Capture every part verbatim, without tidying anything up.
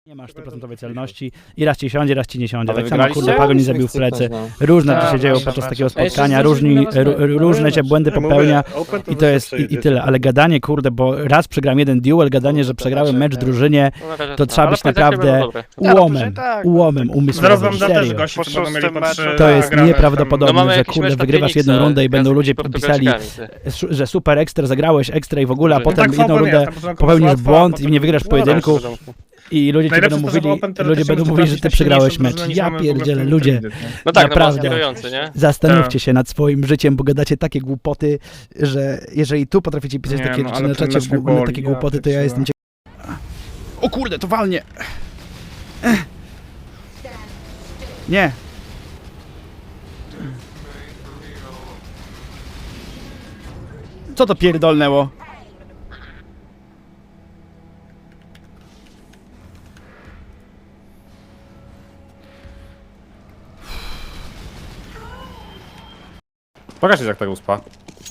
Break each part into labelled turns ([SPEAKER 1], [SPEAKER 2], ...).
[SPEAKER 1] Nie masz stu procent celności i raz ci siądzie, raz ci nie siądzie.
[SPEAKER 2] Ale
[SPEAKER 1] Tak samo kurde
[SPEAKER 2] wygraliście?
[SPEAKER 1] Pago nie zabił w plecy. Różne rzeczy się dzieją podczas takiego spotkania, różni, r- różne się błędy popełnia i to jest i, i tyle. Ale gadanie kurde, bo raz przegram jeden duel, gadanie, że przegrałem mecz drużynie, to trzeba być naprawdę ułomem, ułomem umysłowym, serio. To jest nieprawdopodobne, że kurde wygrywasz jedną rundę i będą ludzie pisali, że super ekstra, zagrałeś ekstra i w ogóle, a potem jedną rundę popełnisz błąd i nie wygrasz pojedynku. I ludzie ci będą mówili, ludzie będą mówili, że ty przegrałeś mecz. Ja pierdzielę, ludzie,
[SPEAKER 3] No tak,
[SPEAKER 1] naprawdę,
[SPEAKER 3] no nie?
[SPEAKER 1] zastanówcie się nad swoim życiem, bo gadacie takie głupoty, że jeżeli tu potraficie pisać
[SPEAKER 4] Nie,
[SPEAKER 1] takie
[SPEAKER 4] no,
[SPEAKER 1] rzeczy
[SPEAKER 4] ale
[SPEAKER 1] na
[SPEAKER 4] ten
[SPEAKER 1] czacie,
[SPEAKER 4] mecz mnie
[SPEAKER 1] w ogóle
[SPEAKER 4] boli,
[SPEAKER 1] takie
[SPEAKER 4] ja
[SPEAKER 1] głupoty, to ja
[SPEAKER 4] pierdzielę.
[SPEAKER 1] jestem ciekaw. O kurde, to walnie! Nie! Co to pierdolnęło?
[SPEAKER 2] Pokaż jak tego uspa.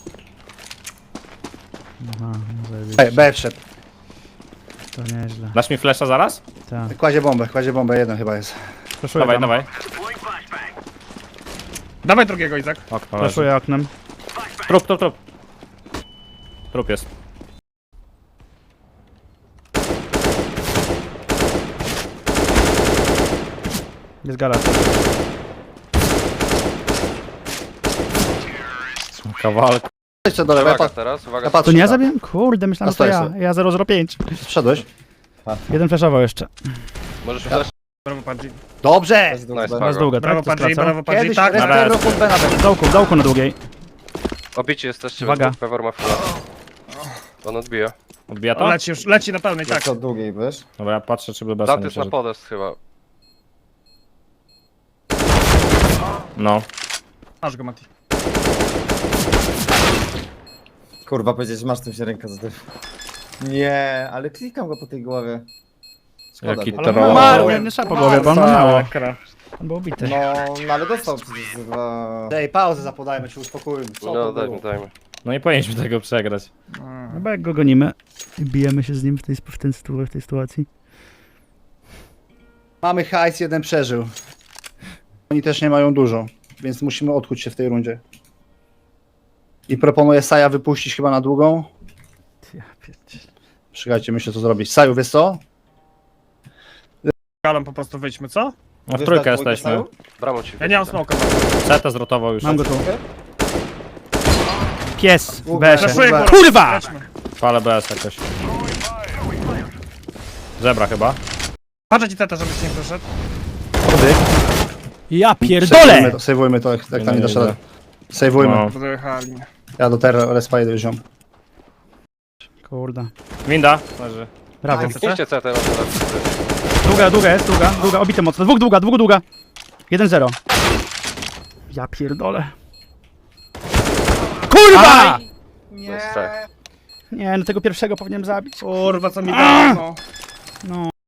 [SPEAKER 1] Aha,
[SPEAKER 5] B, B wszedł.
[SPEAKER 1] to nieźle.
[SPEAKER 2] Dasz mi flesza zaraz?
[SPEAKER 1] Tak.
[SPEAKER 5] Kładzie bombę, kładzie bombę, jeden chyba jest.
[SPEAKER 1] Flaszuję
[SPEAKER 2] Dawaj,
[SPEAKER 1] tam.
[SPEAKER 2] dawaj.
[SPEAKER 4] Dawaj drugiego, Izak.
[SPEAKER 2] Okno leży.
[SPEAKER 1] Flaszuję oknem.
[SPEAKER 2] Trup, trup, trup. Trup jest.
[SPEAKER 1] Jest gala.
[SPEAKER 2] Kawałek.
[SPEAKER 5] Jeszcze do lewej,
[SPEAKER 3] Uwaga
[SPEAKER 5] pa,
[SPEAKER 3] teraz, uwaga.
[SPEAKER 5] ja patrzę.
[SPEAKER 1] To nie ja zabiłem? Kurde, myślałem, że to
[SPEAKER 5] A
[SPEAKER 1] ja.
[SPEAKER 5] stoję
[SPEAKER 1] Ja zero zero pięć.
[SPEAKER 5] Wszedłeś?
[SPEAKER 1] Jeden flashował jeszcze.
[SPEAKER 3] Możesz flash.
[SPEAKER 4] Brawo, Padzi.
[SPEAKER 5] Dobrze!
[SPEAKER 3] Nice,
[SPEAKER 1] Raz
[SPEAKER 3] Pago.
[SPEAKER 1] długa,
[SPEAKER 4] Brawo,
[SPEAKER 1] tak? To
[SPEAKER 4] Padzi,
[SPEAKER 1] skraca?
[SPEAKER 4] brawo, Padzi.
[SPEAKER 5] Kiedyś
[SPEAKER 4] Tak,
[SPEAKER 5] tak,
[SPEAKER 4] na
[SPEAKER 5] respero
[SPEAKER 4] razie.
[SPEAKER 5] pod B na B.
[SPEAKER 1] W dołku, w dołku na długiej.
[SPEAKER 3] Obici jesteście,
[SPEAKER 1] Uwaga.
[SPEAKER 3] Pewor ma chwilę. On odbija.
[SPEAKER 2] Odbija
[SPEAKER 4] O,
[SPEAKER 2] to?
[SPEAKER 4] leci już, leci na pełnej, tak.
[SPEAKER 6] Co długiej, wiesz?
[SPEAKER 2] Dobra, ja patrzę, czy by bez
[SPEAKER 3] Dant jest na podest chyba.
[SPEAKER 2] No.
[SPEAKER 4] Masz go, Mati.
[SPEAKER 6] Kurwa, powiedzieć, że masz tym się ręka za Nie, ale klikam go po tej głowie. Szkoda
[SPEAKER 2] Jaki
[SPEAKER 6] tej-
[SPEAKER 4] Ale
[SPEAKER 2] troll.
[SPEAKER 4] ma-
[SPEAKER 1] Nie, nie trzeba po głowie, bo on ma mało.
[SPEAKER 4] Sakra.
[SPEAKER 1] On był ubity.
[SPEAKER 6] No, no ale dostał przecież za dwa...
[SPEAKER 5] Dej, pauzę zapodajmy, się uspokójmy. Co
[SPEAKER 3] No
[SPEAKER 5] to
[SPEAKER 3] dajmy,
[SPEAKER 5] było?
[SPEAKER 3] dajmy.
[SPEAKER 2] No nie powinniśmy tego przegrać.
[SPEAKER 1] No bo jak go gonimy i bijemy się z nim w tej, w tej, sytu- w tej sytuacji.
[SPEAKER 5] Mamy hajs, jeden przeżył. Oni też nie mają dużo, więc musimy odkuć się w tej rundzie. I proponuję Saja wypuścić chyba na długą.
[SPEAKER 1] Ja pierdzielę.
[SPEAKER 5] Czekajcie, myślę co zrobić. Saju, wiesz co?
[SPEAKER 4] Galą po prostu wyjdźmy, co?
[SPEAKER 2] No w trójkę
[SPEAKER 6] Dwójkę
[SPEAKER 2] jesteśmy.
[SPEAKER 6] stał?
[SPEAKER 3] Bramą ci.
[SPEAKER 4] Ja nie mam smoka.
[SPEAKER 2] Seta zrotował już.
[SPEAKER 1] Mam go tu. Pies w
[SPEAKER 5] Długa.
[SPEAKER 1] besie.
[SPEAKER 4] Flashuję go.
[SPEAKER 1] Kurwa!
[SPEAKER 4] Lećmy.
[SPEAKER 2] Palę B S jakoś. Zebra chyba.
[SPEAKER 4] Patrzę ci teta, żebyś nie doszedł.
[SPEAKER 1] Ja
[SPEAKER 5] Sejwujmy
[SPEAKER 1] pierdolę!
[SPEAKER 5] to, sejwujmy to, jak, jak
[SPEAKER 2] Nie,
[SPEAKER 5] tam nie
[SPEAKER 2] nie
[SPEAKER 5] dasz rady.
[SPEAKER 2] idę.
[SPEAKER 5] Sejwujmy.
[SPEAKER 2] No.
[SPEAKER 4] Dojechali.
[SPEAKER 5] Ja do terra respa idę ziom.
[SPEAKER 1] Kurde.
[SPEAKER 2] Winda. Leży.
[SPEAKER 1] Brawo.
[SPEAKER 3] Zniszcie C T, może tak.
[SPEAKER 1] Długa, długa jest, długa, długa, obite mocno. Dwóch długa, dwóch długa. jeden zero. Ja pierdolę. Kurwa!
[SPEAKER 3] Nie.
[SPEAKER 1] Nie, no tego pierwszego powinienem zabić.
[SPEAKER 4] Kurwa, co mi dało, no.
[SPEAKER 1] No.